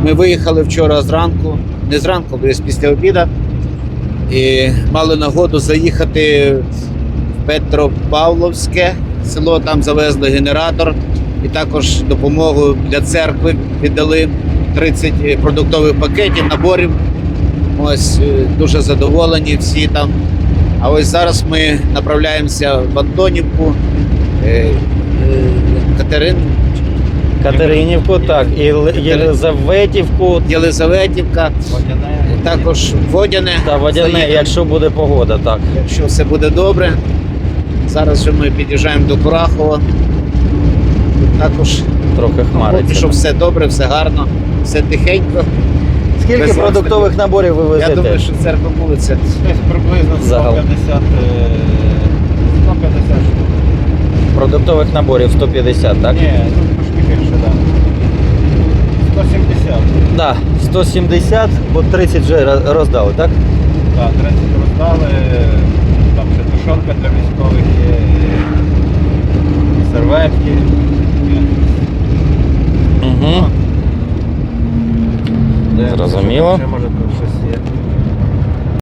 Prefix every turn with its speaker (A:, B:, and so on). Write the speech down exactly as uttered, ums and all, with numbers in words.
A: Ми виїхали вчора зранку, не зранку, десь після обіду, і мали нагоду заїхати в Петропавловське село, там завезли генератор і також допомогу для церкви віддали тридцять продуктових пакетів, наборів. Ось дуже задоволені всі там. А ось зараз ми направляємося в Антонівку, Катерин.
B: Катеринівку, так, і Єлизаветівку
A: Єлизаветівка,
C: Водяне.
A: також Водяне.
B: та Водяне,
A: Заїдемо,
B: якщо буде погода, так.
A: якщо все буде добре. Зараз же ми під'їжджаємо до Курахова. Тут також
B: Трохи
A: поки
B: хмариться.
A: що все добре, все гарно, все тихенько.
B: Скільки
A: без
B: продуктових наборів ви везете?
A: Я думаю, що церква вулиця.
C: Десь приблизно сто
B: Загалом.
C: п'ятдесят, е, сто п'ятдесят штук.
B: Продуктових наборів сто п'ятдесят, так?
C: Ні, тут трошки більше, так. сто сімдесят.
B: Так, сто сімдесят, бо тридцять вже роз- роздали, так?
C: Так, тридцять роздали. Там ще тушонка для військових є, і серветки.
B: Угу. Зрозуміло.
C: Ще може